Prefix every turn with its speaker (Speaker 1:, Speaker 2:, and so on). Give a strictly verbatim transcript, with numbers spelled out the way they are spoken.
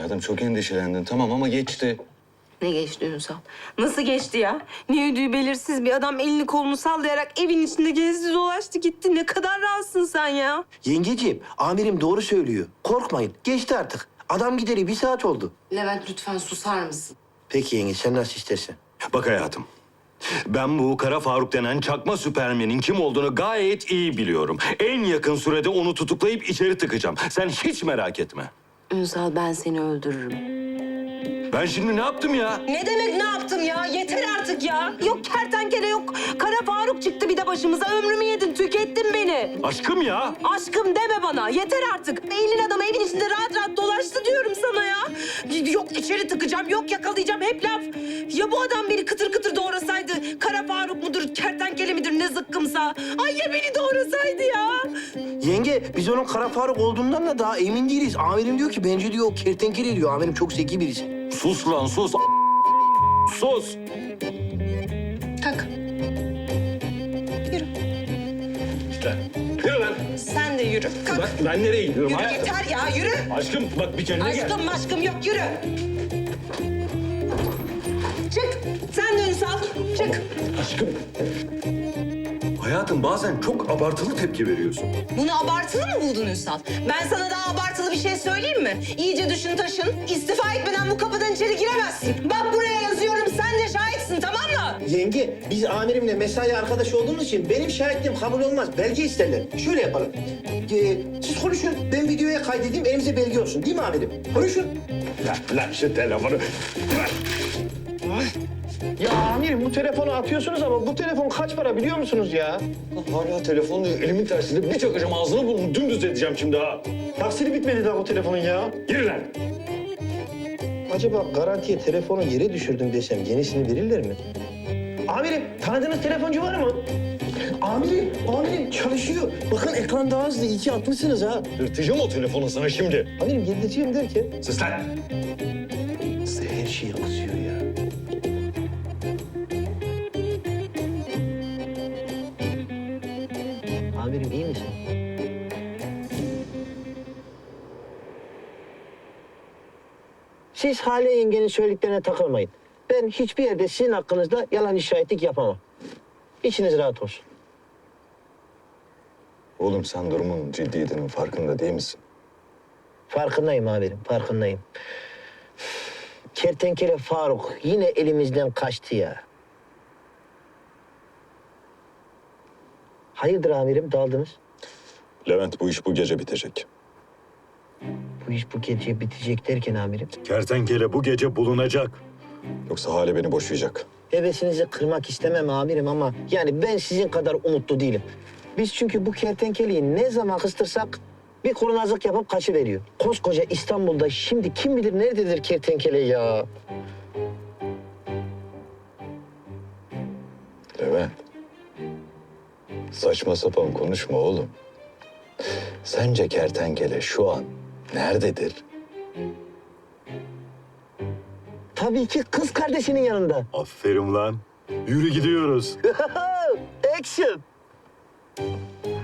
Speaker 1: Hayatım çok endişelendin tamam ama geçti.
Speaker 2: Ne geçti Ünsal? Nasıl geçti ya? Ne ödüğü belirsiz bir adam elini kolunu sallayarak evin içinde gezdi dolaştı gitti. Ne kadar rahatsın sen ya.
Speaker 3: Yengeciğim, amirim doğru söylüyor. Korkmayın, geçti artık. Adam gideri bir saat oldu.
Speaker 2: Levent lütfen susar mısın?
Speaker 3: Peki yenge, sen nasıl istersen.
Speaker 1: Bak hayatım. Ben bu Kara Faruk denen çakma süpermenin kim olduğunu gayet iyi biliyorum. En yakın sürede onu tutuklayıp içeri tıkacağım. Sen hiç merak etme.
Speaker 2: Ünsal ben seni öldürürüm.
Speaker 1: Ben şimdi ne yaptım ya?
Speaker 2: Ne demek ne yaptım ya? Yeter artık ya. Yok kertenkele yok. Kara Faruk çıktı bir de başımıza. Ömrümü yedin, tükettin beni.
Speaker 1: Aşkım ya.
Speaker 2: Aşkım deme bana. Yeter artık. Elin adamı evin içinde rahat rahat dolaştı diyorum sana ya. Yok içeri tıkacağım, yok yakalayacağım. Hep laf. Ya bu adam beni kıtır kıtır doğrasaydı? Kara Faruk mudur, kertenkele midir ne zıkkımsa? Ay ya beni doğrasaydı ya.
Speaker 3: Yenge, biz onun Kara Faruk olduğundan da daha emin değiliz. Amirim diyor ki, bence diyor o kertenkele diyor. Amirim çok zeki birisi.
Speaker 1: Sus lan sus. Sus.
Speaker 2: Kalk. Yürü.
Speaker 1: Yürü lan.
Speaker 2: Sen de yürü. Kalk.
Speaker 1: Bak ben nereye gidiyorum
Speaker 2: Yürü
Speaker 1: hayatım?
Speaker 2: yeter ya yürü.
Speaker 1: Aşkım bak bir kendine gel.
Speaker 2: Aşkım aşkım yok yürü. Çık. Sen de Ünsal. Çık.
Speaker 1: Aşkım. Hayatım bazen çok abartılı tepki veriyorsun.
Speaker 2: Bunu abartılı mı buldun Ünsal? Ben sana daha abartılı bir şey söyleyeyim mi? İyice düşün taşın. İstifa etmeden bu kapıdan içeri giremezsin. Bak buraya yazıyorum. Sen de şahitsin tamam mı?
Speaker 3: Yenge, biz amirimle mesai arkadaşı olduğumuz için benim şahitliğim kabul olmaz. Belge isterler. Şöyle yapalım. Ee, siz konuşun, ben videoya kaydedeyim, elimize belge olsun. Değil mi amirim? Konuşun.
Speaker 1: Lan, lan şu telefonu.
Speaker 3: Ya amirim, bu telefonu atıyorsunuz ama bu telefon kaç para biliyor musunuz ya?
Speaker 1: Hala telefonu elimin tersinde bir çakacağım ağzını burnunu dümdüz edeceğim şimdi ha.
Speaker 3: Taksiri bitmedi daha bu telefonun ya.
Speaker 1: Yürü lan.
Speaker 3: Acaba garantiye telefonu yere düşürdüm desem yenisini verirler mi? Amirim, tanıdığınız telefoncu var mı? Amirim, amirim çalışıyor. Bakın ekran daha hızlı, iyi ki atmışsınız ha.
Speaker 1: Yırtacağım o telefonu sana şimdi.
Speaker 3: Amirim yedireceğim derken...
Speaker 1: Sus lan.
Speaker 3: Size her şeyi kızıyor ya. Amirim iyi misin? Siz Hale yengenin söylediklerine takılmayın. Ben hiçbir yerde sizin hakkınızda yalan şahitlik yapamam. İçiniz rahat olsun.
Speaker 1: Oğlum sen durumun ciddiyetinin farkında değil misin?
Speaker 3: Farkındayım amirim, farkındayım. Kertenkele Faruk yine elimizden kaçtı ya. Hayırdır amirim, daldınız?
Speaker 1: Levent bu iş bu gece bitecek.
Speaker 3: Bu iş bu gece bitecek derken amirim.
Speaker 1: Kertenkele bu gece bulunacak. Yoksa Hale beni boşayacak.
Speaker 3: Hevesinizi kırmak istemem amirim ama yani ben sizin kadar umutlu değilim. Biz çünkü bu kertenkeleyi ne zaman kıstırsak bir kurnazlık yapıp kaçıveriyor. Koskoca İstanbul'da şimdi kim bilir nerededir kertenkele ya?
Speaker 1: Levent. Saçma sapan konuşma oğlum. Sence kertenkele şu an nerededir?
Speaker 3: Tabii ki kız kardeşinin yanında.
Speaker 1: Aferin lan. Yürü gidiyoruz.
Speaker 3: Action!